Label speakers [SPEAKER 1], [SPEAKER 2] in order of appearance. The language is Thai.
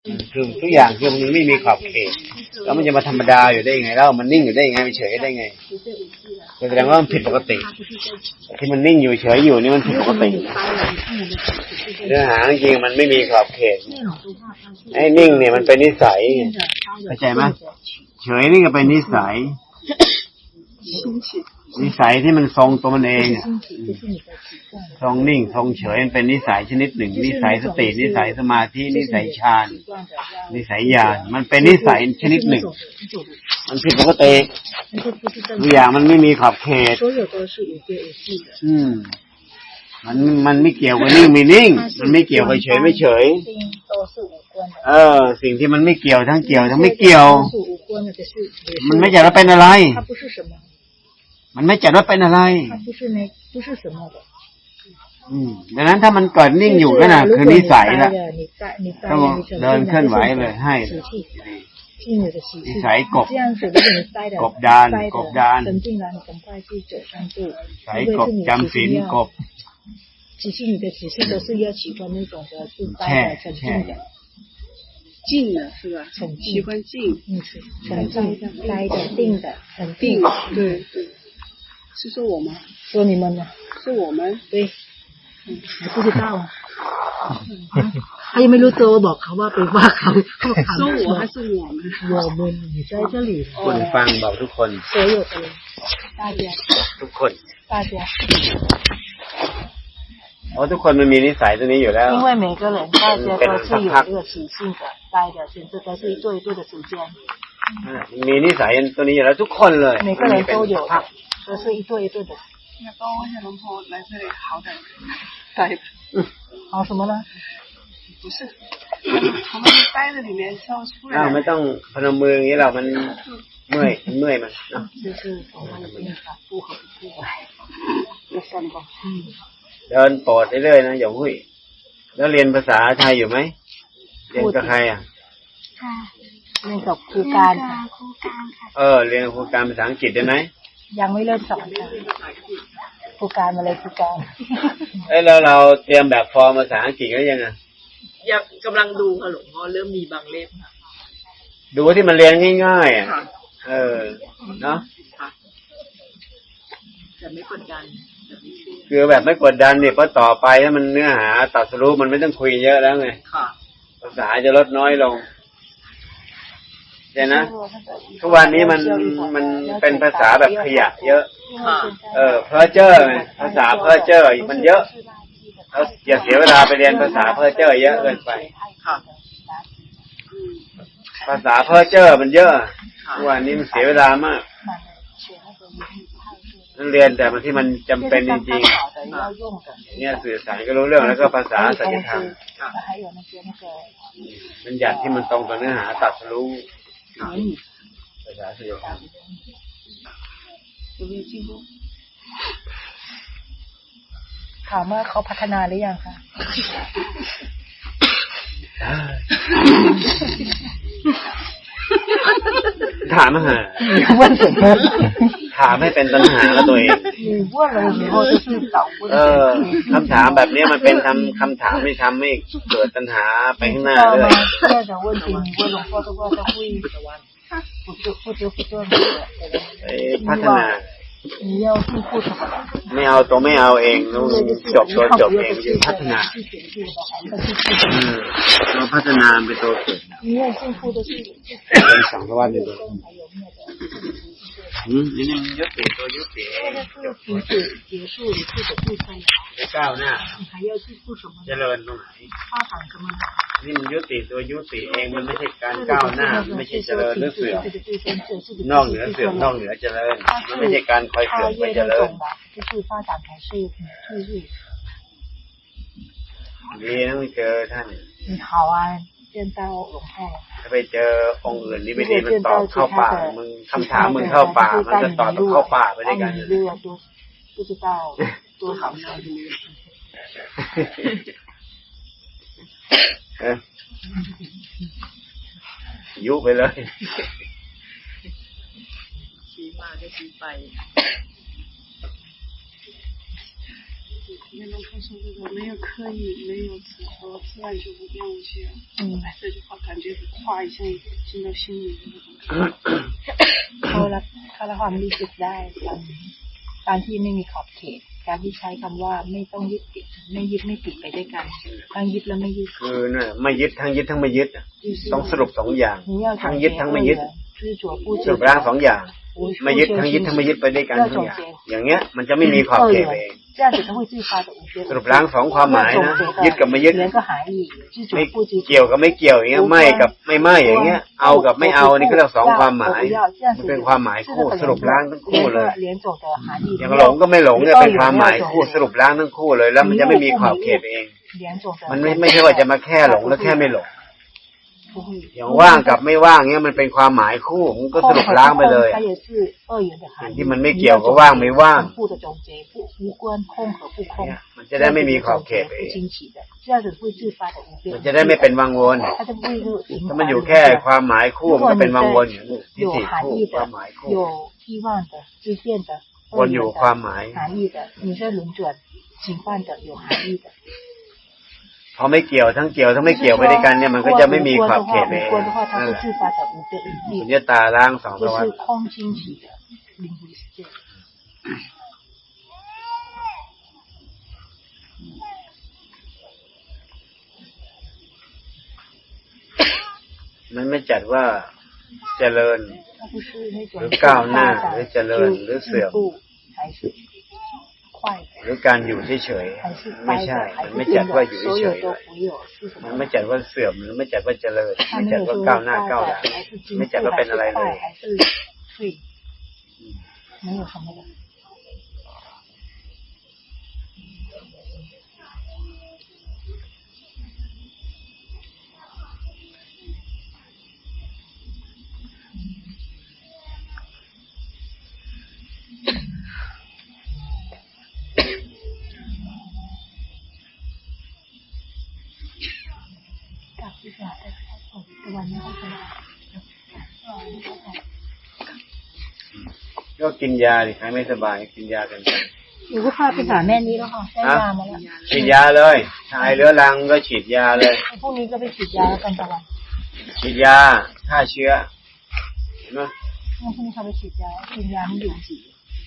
[SPEAKER 1] คือทุกอย่างคือมันไม่มีขอบเขตแล้วมันจะมาธรรมดาอยู่ได้ยังไงแล้วมันนิ่งอยู่ได้ยังไงมันเฉยได้ไงแสดงว่ามันผิดปกติที่มันนิ่งอยู่เฉยอยู่นี่มันผิดปกติเนื้อหาจริงมันไม่มีขอบเขตไอ้นิ่งเนี่ยมันเป็นนิสัยเข้าใจไหมเฉยนี่ก็เป็นนิสัยที่มันทรงตัวมันเองทรงนิ่งทรงเฉยมันเป็นนิสัยชนิดหนึ่งนิสัยสตินิสัยสมาธินิสัยฌานนิสัยญาณมันเป็นนิสัยชนิดหนึ่งมันผิดปกติทุกอย่างมันไม่มีขอบเขตมันไม่เกี่ยวกับนิ่งไม่นิ่งมันไม่เกี่ยวกับเฉยไม่เฉยสิ่งที่มันไม่เกี่ยวทั้งเกี่ยวทั้งไม่เกี่ยวมันไม่จัดว่าเป็นอะไรมันไม่จัดว่าเป็นอะไรดังนั้นถ้ามันเกิดนิ่งอยู่ก็น่ะคือนิสัยละต้องเดินเคลื่อนไหวเลยให้นิสัยกบดานสายกบจำศีลกบแช่
[SPEAKER 2] 静的是吧？喜欢静，
[SPEAKER 3] 沉静、呆的、定的、很定。
[SPEAKER 2] 对对，是说我吗？
[SPEAKER 3] 说你们呢？
[SPEAKER 2] 是我们。
[SPEAKER 3] 对。你不知道啊？他又没รู้ตัวบอกเขาว่าไปว่าเขา
[SPEAKER 2] 说我还是我们？
[SPEAKER 3] 我们你在这里。
[SPEAKER 1] คนฟังบอกทุกคน
[SPEAKER 3] 所有的人，大家。
[SPEAKER 1] ทุกคน。
[SPEAKER 3] 大家。
[SPEAKER 1] ทุกคนมันมีนิสัยตัวนี้อยู่แล้ว
[SPEAKER 3] 因为每个人大家都是有这个习性的待的甚至都是一对一对的时间
[SPEAKER 1] มีนิสัยตัวนี้อยู่แล้วทุกคนเลย
[SPEAKER 3] 每个人都有都是一对一对的
[SPEAKER 2] 那帮我小龙婆来这里好点待着
[SPEAKER 3] 好什么呢
[SPEAKER 2] 不是他们待在里面之后出来
[SPEAKER 1] ไม่ต้องพนมมืออย่างนี้เรามันเมื่อยมันเนาะ
[SPEAKER 3] 就是我们的那个不合不要算吧
[SPEAKER 1] เดินปอดเรื่อยๆนะอย่าหุ้ยแล้วเรียนภาษาไทยอยู่ไหมเรียนกับใคร
[SPEAKER 3] ค่ะเรียนกับครูการค่ะ
[SPEAKER 1] เรียนครูการภาษาอังกฤษได้ไหม
[SPEAKER 3] ยังไม่เริ่มสอนค่ะครูการมาเลยครูการ
[SPEAKER 1] แล้วเราเตรียมแบบฟอร์มภาษาอังกฤษก็ยังไง
[SPEAKER 2] ยังกำลังดูค่ะหลวงพ่อเริ่มมีบางเล่ม
[SPEAKER 1] ดูที่มันเรียนง่ายๆอ่ะเนาะ
[SPEAKER 2] จะไม่กดดัน
[SPEAKER 1] คือแบบไม่กดดันเนี่ยเพราะต่อไปถ้ามันเนื้อหาตรัสรู้มันไม่ต้องคุยเยอะแล้วไงภาษาจะลดน้อยลงใช่นะทุกวันนี้มันเป็นภาษาแบบขยะเยอะเพ้อเจ้อภาษาเพ้อเจ้อมันเยอะแล้วอย่าเสียเวลาไปเรียนภาษาเพ้อเจ้อเยอะเกินไปภาษาเพ้อเจ้อมันเยอะทุกวันนี้มันเสียเวลามากเรียนแต่มันที่มันจำเป็นจริงๆเนี่ยสื่อสารก็รู้เรื่องแล้วก็ภาษาสัจธรรมมันหยัดที่มันตรงกับเนื้อหาตรัสรู้ภาษาสัจธรรม
[SPEAKER 3] ถามว่าเขาพัฒนาหรือยังคะ
[SPEAKER 1] ถามมาถามให้เป็นปัญหาแล้วตัวเองคำถามแบบนี้มันเป็นคำถามไม่ทำให้เกิดปัญหาไปข้างหน้าเลยพัฒนาไม่เอาตัวไม่เอาเองจบตัวจบเองจะพัฒนาเราพัฒนาเป็นตัวเกิดเป็นสังสารวัฏอยู่ตัวนี่มันยุติตัวยุติจะก้าวหน้าเจริญตรงไหนนี่มันยุติตัวยุติเองมันไม่ใช่การก้าวหน้าไม่ใช่เจริญหรือเสื่อมนอกเหนือเสื่อมนอกเหนือเจริญมันไม่ใช่การคอยเสื่อมไปเจริญดีนะไม่เจอท่าน
[SPEAKER 3] 好啊见到หลวงพ่อ
[SPEAKER 1] ถ้าไปเจอองค์อื่นนี่ไม่ดีมันตอบเข้าป่ามึงคำถามมึงเข้าป่ามันจะตอบเข้าป่าไปด้วยกัน
[SPEAKER 3] 不知道多好呢
[SPEAKER 1] ยุไปเลย
[SPEAKER 2] ชี้มาก็ชี้ไป那种他说这个没有刻意，没有执着，自然就会变无限。这句话感觉话一下进到心里的那种。
[SPEAKER 3] เขาละความรู้สึกได้การที่ไม่มีขอบเขตการที่ใช้คำว่าไม่ต้องยึดติดไม่ยึดไม่ติดไปด้วยกันทั้งยึดและไม่ยึด
[SPEAKER 1] คือเนี่ยไม่ยึดทั้งยึดทั้งไม่ยึดต้องสรุปสองอย่างทั้งยึดทั้งไม่ยึดสรุปร่างสองอย่างไม่ยึดทั้งยึดทั้งไม่ยึดไปด้วยกันทั้งอย่างเงี้ยมันจะไม่มีขอบเขตเองสรุปร่างสองความหมายนะยึดกับไม่ยึดไม่เกี่ยวกับไม่เกี่ยวอย่างเงี้ยไม่กับไม่ไม่อย่างเงี้ยเอากับไม่เอานี่ก็เรียกสองความหมายมันเป็นความหมายคู่สรุปร่างทั้งคู่เลยอย่างหลงก็ไม่หลงเนี่ยเป็นความหมายคู่สรุปร่างทั้งคู่เลยแล้วมันจะไม่มีขอบเขตเองมันไม่ใช่ว่าจะมาแค่หลงแล้วแค่ไม่หลงอย่างว่างกับไม่ว่างเงี้ยมันเป็นความหมายคู่มันก็สรุปล้างไปเลยที่มันไม่เกี่ยวกับว่างไม่ว่างมันจะได้ไม่มีขอบเขตเองมันจะได้ไม่เป็นวังวนถ้ามันอยู่แค่ความหมายคู่มันก็เป็นวังวนอยู่ที่สี่คู่ความหมายคู่วนอยู่ความหมายพอไม่เกี่ยวทั้งเกี่ยวทั้งไม่เกี่ยวไปด้วยกันเนี่ยมันก็จะไม่มีขอบเขตเองสุญญตาล้างสองประวัติมันไม่จัดว่าเจริญหรือก้าวหน้าหรือเจริญหรือเสื่อมหรือการอยู่เฉยๆไม่ใช่มันไม่จัดว่าอยู่เฉยๆมันไม่จัดว่าเสื่อมหรือไม่จัดว่าเจริญไม่จัดว่าก้าวหน้าก้าวหลังไม่จัดว่าเป็นอะไรเลยก็กินยาดิใครไม่สบายกินยากันไป
[SPEAKER 3] หนูก็พาไปหาแม่นี้แล้วค่ะได้ยามาแล้ว
[SPEAKER 1] ฉีดยาเลยชายเรื้อรังก็ฉีดยาเลย
[SPEAKER 3] พรุ่งนี้ก็ไปฉีดยาแล้วกันตะวัน
[SPEAKER 1] ฉีดยาฆ่าเชื้อเห็นไหม
[SPEAKER 3] พรุ่งนี้เขาไปฉีดยากินยาไม่อยู่